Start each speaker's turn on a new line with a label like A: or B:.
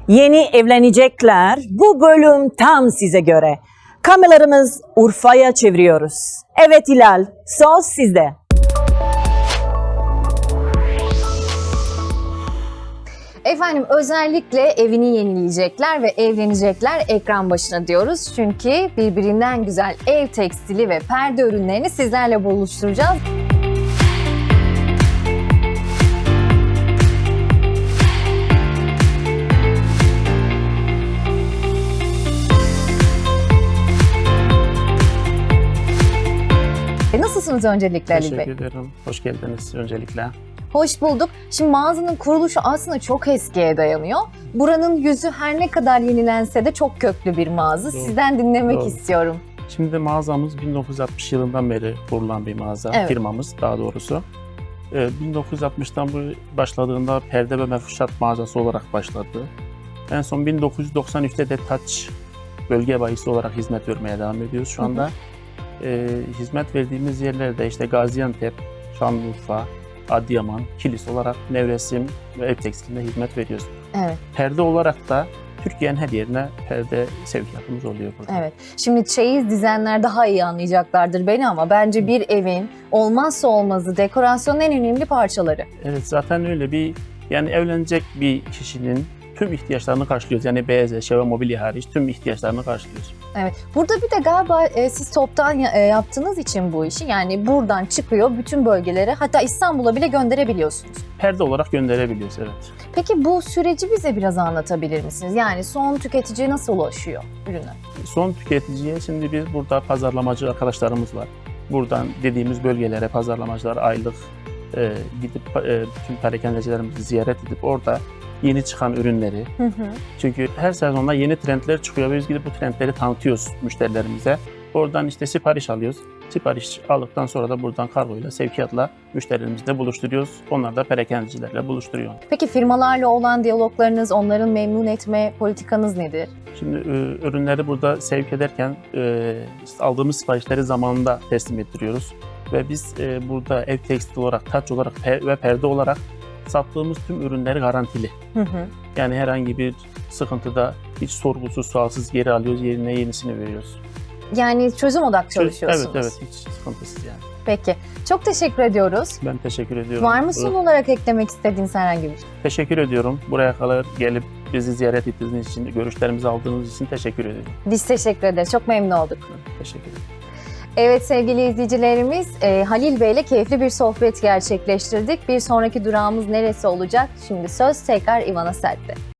A: Yeni evlenecekler, bu bölüm tam size göre. Kameralarımız Urfa'ya çeviriyoruz. Evet Hilal, söz sizde.
B: Efendim özellikle evini yenileyecekler ve evlenecekler ekran başına diyoruz. Çünkü birbirinden güzel ev tekstili ve perde ürünlerini sizlerle buluşturacağız. Nasılsınız öncelikle Ali Bey?
C: Teşekkür ederim. Hoş geldiniz öncelikle.
B: Hoş bulduk. Şimdi mağazanın kuruluşu aslında çok eskiye dayanıyor. Buranın yüzü her ne kadar yenilense de çok köklü bir mağaza.
C: Doğru.
B: Sizden dinlemek
C: Doğru.
B: istiyorum.
C: Şimdi mağazamız 1960 yılından beri kurulan bir mağaza,
B: Evet.
C: firmamız daha doğrusu. 1960'tan bu başladığında perde ve mefruşat mağazası olarak başladı. En son 1993'te de Touch bölge bayisi olarak hizmet vermeye devam ediyoruz şu anda. Hizmet verdiğimiz yerlerde işte Gaziantep, Şanlıurfa, Adıyaman, Kilis olarak nevresim ve ev tekstilinde hizmet veriyoruz.
B: Evet.
C: Perde olarak da Türkiye'nin her yerine perde sevkiyatımız oluyor burada.
B: Evet. Şimdi çeyiz dizenler daha iyi anlayacaklardır beni ama bence bir evin olmazsa olmazı, dekorasyonun en önemli parçaları.
C: Evet, zaten öyle yani evlenecek bir kişinin tüm ihtiyaçlarını karşılıyoruz. Yani beyaz eşya ve mobilya hariç tüm ihtiyaçlarını karşılıyoruz.
B: Evet. Burada bir de galiba siz toptan yaptığınız için bu işi, yani buradan çıkıyor bütün bölgelere, hatta İstanbul'a bile gönderebiliyorsunuz.
C: Perde olarak gönderebiliyoruz, evet.
B: Peki bu süreci bize biraz anlatabilir misiniz? Yani son tüketiciye nasıl ulaşıyor ürünler?
C: Son tüketiciye şimdi biz burada pazarlamacı arkadaşlarımız var. Buradan dediğimiz bölgelere pazarlamacılar aylık gidip tüm perakendecilerimizi ziyaret edip orada yeni çıkan ürünleri. Çünkü her sezonda yeni trendler çıkıyor ve biz gidip bu trendleri tanıtıyoruz müşterilerimize. Oradan işte sipariş alıyoruz. Sipariş aldıktan sonra da buradan kargoyla, sevkiyatla müşterilerimizle buluşturuyoruz. Onlar da perakendecilerle buluşturuyor.
B: Peki firmalarla olan diyaloglarınız, onların memnun etme politikanız nedir?
C: Şimdi ürünleri burada sevk ederken işte aldığımız siparişleri zamanında teslim ettiriyoruz. Ve biz burada ev tekstil olarak, taç olarak ve perde olarak sattığımız tüm ürünleri garantili. Yani herhangi bir sıkıntıda hiç sorgusuz, sualsız geri alıyoruz, yerine yenisini veriyoruz.
B: Yani çözüm odaklı çalışıyorsunuz.
C: Evet, hiç sıkıntısız yani.
B: Peki. Çok teşekkür ediyoruz.
C: Ben teşekkür ediyorum.
B: Var mı son olarak eklemek istediğiniz herhangi bir şey?
C: Teşekkür ediyorum. Buraya kadar gelip bizi ziyaret ettiğiniz için, görüşlerimizi aldığınız için teşekkür ediyorum.
B: Biz teşekkür ederiz. Çok memnun olduk.
C: Teşekkür ederim.
B: Evet sevgili izleyicilerimiz, Halil Bey ile keyifli bir sohbet gerçekleştirdik. Bir sonraki durağımız neresi olacak? Şimdi söz tekrar İvan Asel'de.